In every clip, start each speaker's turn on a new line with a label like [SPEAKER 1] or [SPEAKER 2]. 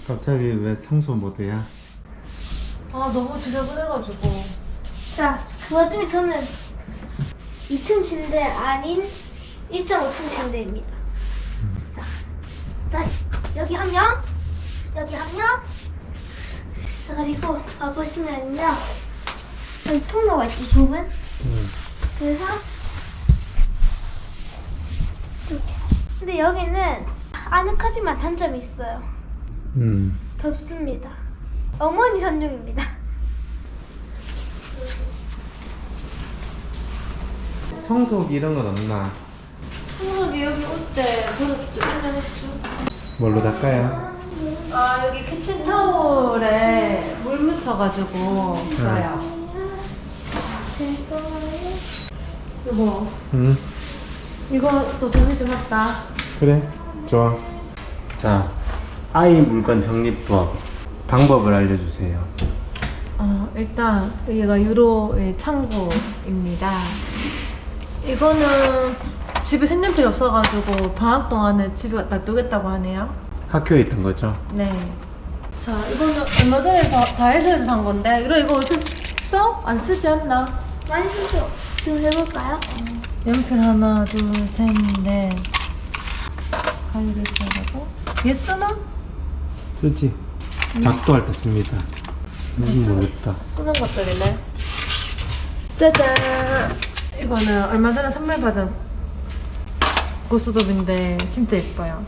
[SPEAKER 1] 갑자기 왜 청소 모드야?
[SPEAKER 2] 아 너무 지저분해가지고.
[SPEAKER 3] 자, 그 와중에 저는 2층 침대 아닌 1.5층 침대입니다. 자, 일단 여기 한 명, 여기 한 명. 자, 그리고 보시면요, 여기 통로가 있죠, 좁은. 그래서 이렇게. 근데 여기는 아늑하지만 단점이 있어요. 덥습니다. 어머니 전용입니다.
[SPEAKER 1] 청소기 이런 건 없나?
[SPEAKER 2] 청소기 여기 올 때 버렸죠? 인정했죠?
[SPEAKER 1] 뭘로 닦아요?
[SPEAKER 2] 아 여기 키친타올에 물 묻혀가지고 써요. 이거
[SPEAKER 1] 응.
[SPEAKER 2] 이거 정리 좀 했다.
[SPEAKER 1] 그래, 좋아. 자, 아이 물건 정리법 방법을 알려주세요.
[SPEAKER 2] 일단 여기가 유로의 창고입니다. 이거는 집에 색연필이 없어가지고 방학 동안에 집에 놔두겠다고 하네요.
[SPEAKER 1] 학교에 있던 거죠?
[SPEAKER 2] 네. 자, 이거는 얼마 전에 다이소에서 산 건데 이거 어제 써? 안 쓰지 않나?
[SPEAKER 3] 많이 쓰죠? 좀 해볼까요?
[SPEAKER 2] 연필 하나, 둘, 셋, 넷. 가위를 써가고. 얘 쓰나?
[SPEAKER 1] 쓰지. 작도할 때 씁니다. 모르겠다.
[SPEAKER 2] 쓰는 것들이네. 짜잔! 이거는 얼마 전에 선물 받은 고수톱인데 진짜 예뻐요.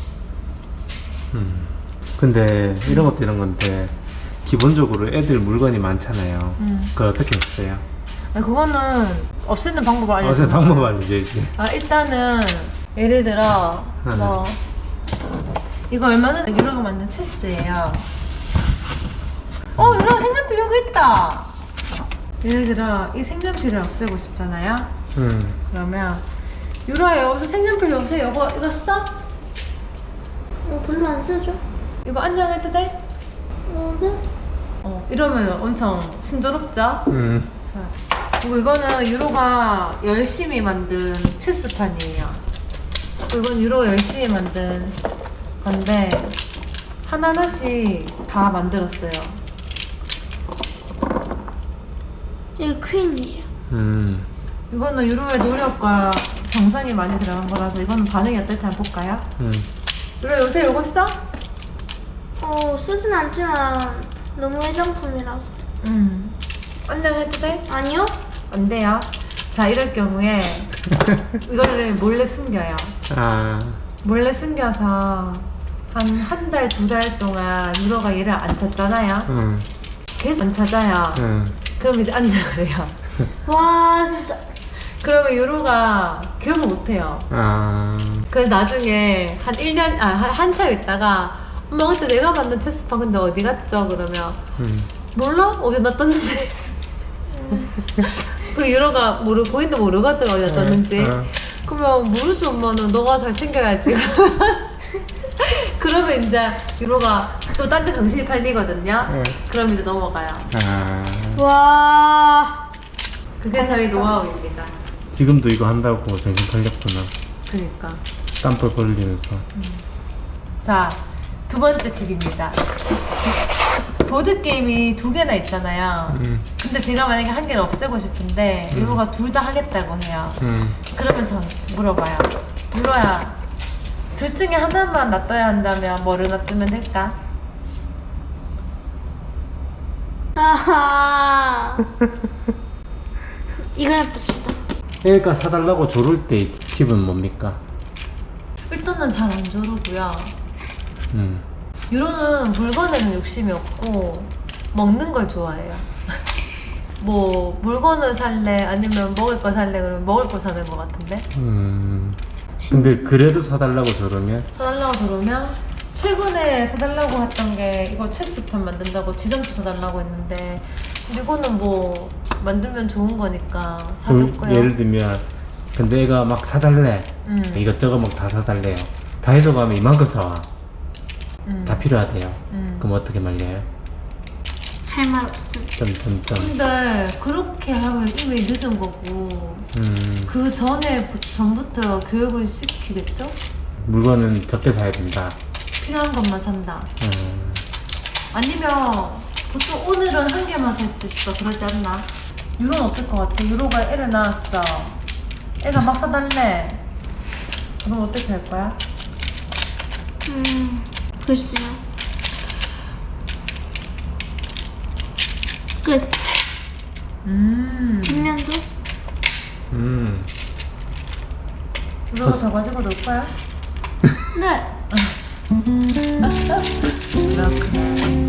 [SPEAKER 1] 근데 이런 것도 이런 건데 기본적으로 애들 물건이 많잖아요. 그걸 어떻게 없애요?
[SPEAKER 2] 그거는 없애는 방법을 알려줘.
[SPEAKER 1] 어제 방법 알려줘야지.
[SPEAKER 2] 일단은 예를 들어 뭐 이거 얼마 전에 유로가 만든 체스예요. 유로가 색연필 여기 있다. 예를 들어 이 색연필을 없애고 싶잖아요. 그러면 유로야 여기서 색연필 요새 이거 써?
[SPEAKER 3] 별로 안 쓰죠?
[SPEAKER 2] 이거 안녕해도 돼?
[SPEAKER 3] 네?
[SPEAKER 2] 이러면 엄청 순조롭죠? 자, 그리고 이거는 유로가 열심히 만든 체스판이에요. 이건 유로가 열심히 만든 건데 하나하나씩 다 만들었어요.
[SPEAKER 3] 이거 퀸이에요.
[SPEAKER 2] 이거는 유로의 노력과 정성이 많이 들어간 거라서 이거는 반응이 어떨지 한번 볼까요? 유로 요새 이거 써?
[SPEAKER 3] 쓰진 않지만 너무 애정품이라서.
[SPEAKER 2] 안녕해도 돼?
[SPEAKER 3] 아니요?
[SPEAKER 2] 안 돼요. 자, 이럴 경우에 이거를 몰래 숨겨요. 몰래 숨겨서 한 달, 2달 동안 유로가 얘를 안 찾잖아요. 계속 안 찾아요. 그럼 이제 안녕을 해요.
[SPEAKER 3] 와, 진짜.
[SPEAKER 2] 그러면 유로가 기억을 못 해요. 그래서 나중에 한 1년, 한참 있다가 엄마 그때 내가 만든 체스판 근데 어디 갔죠? 그러면 몰라? 어디 놔뒀는데. 그 유로가 본인도 모르거든 어디 놔뒀는지. 그러면 모르지 엄마는 너가 잘 챙겨야지. 그러면 이제 유로가 또 딴 데 정신이 팔리거든요. 그럼 이제 넘어가요.
[SPEAKER 3] 와.
[SPEAKER 2] 그게 저희 노하우입니다.
[SPEAKER 1] 지금도 이거 한다고 정신 팔렸구나.
[SPEAKER 2] 그러니까.
[SPEAKER 1] 땀뻘 벌리면서.
[SPEAKER 2] 자, 두 번째 팁입니다. 보드게임이 2개나 있잖아요. 근데 제가 만약에 한 개를 없애고 싶은데 유로가 둘 다 하겠다고 해요. 그러면 전 물어봐요. 유로야, 둘 중에 하나만 놔둬야 한다면 뭐를 놔두면 될까?
[SPEAKER 3] 아하. 이걸 놔둡시다.
[SPEAKER 1] 애가 사달라고 조를 때 팁은 뭡니까?
[SPEAKER 2] 일단은 잘 안 조르고요. 유로는 물건에는 욕심이 없고 먹는 걸 좋아해요. 뭐 물건을 살래 아니면 먹을 거 살래 그러면 먹을 거 사는 것 같은데.
[SPEAKER 1] 근데 그래도 사달라고 저러면?
[SPEAKER 2] 사달라고 그러면 최근에 사달라고 했던 게 이거 체스판 만든다고 지점표 사달라고 했는데 이거는 뭐 만들면 좋은 거니까 사줬고요.
[SPEAKER 1] 예를 들면 근데 애가 막 사달래. 이것저것 막 다 사달래요. 다이소 가면 이만큼 사와. 다 필요하대요. 그럼 어떻게 말려요?
[SPEAKER 3] 할 말 없음.
[SPEAKER 1] 점점점.
[SPEAKER 2] 근데 그렇게 하면 이미 늦은 거고 그 전부터 교육을 시키겠죠?
[SPEAKER 1] 물건은 적게 사야 된다.
[SPEAKER 2] 필요한 것만 산다. 아니면 보통 오늘은 한 개만 살 수 있어. 그러지 않나? 유로는 어떨 것 같아? 유로가 애를 낳았어. 애가 막 사달래. 그럼 어떻게 할 거야?
[SPEAKER 3] 글쎄요. 끝. 뒷면도?
[SPEAKER 2] 유로가 더 가지고 놀 거야?
[SPEAKER 3] 네.
[SPEAKER 2] 그렇구나.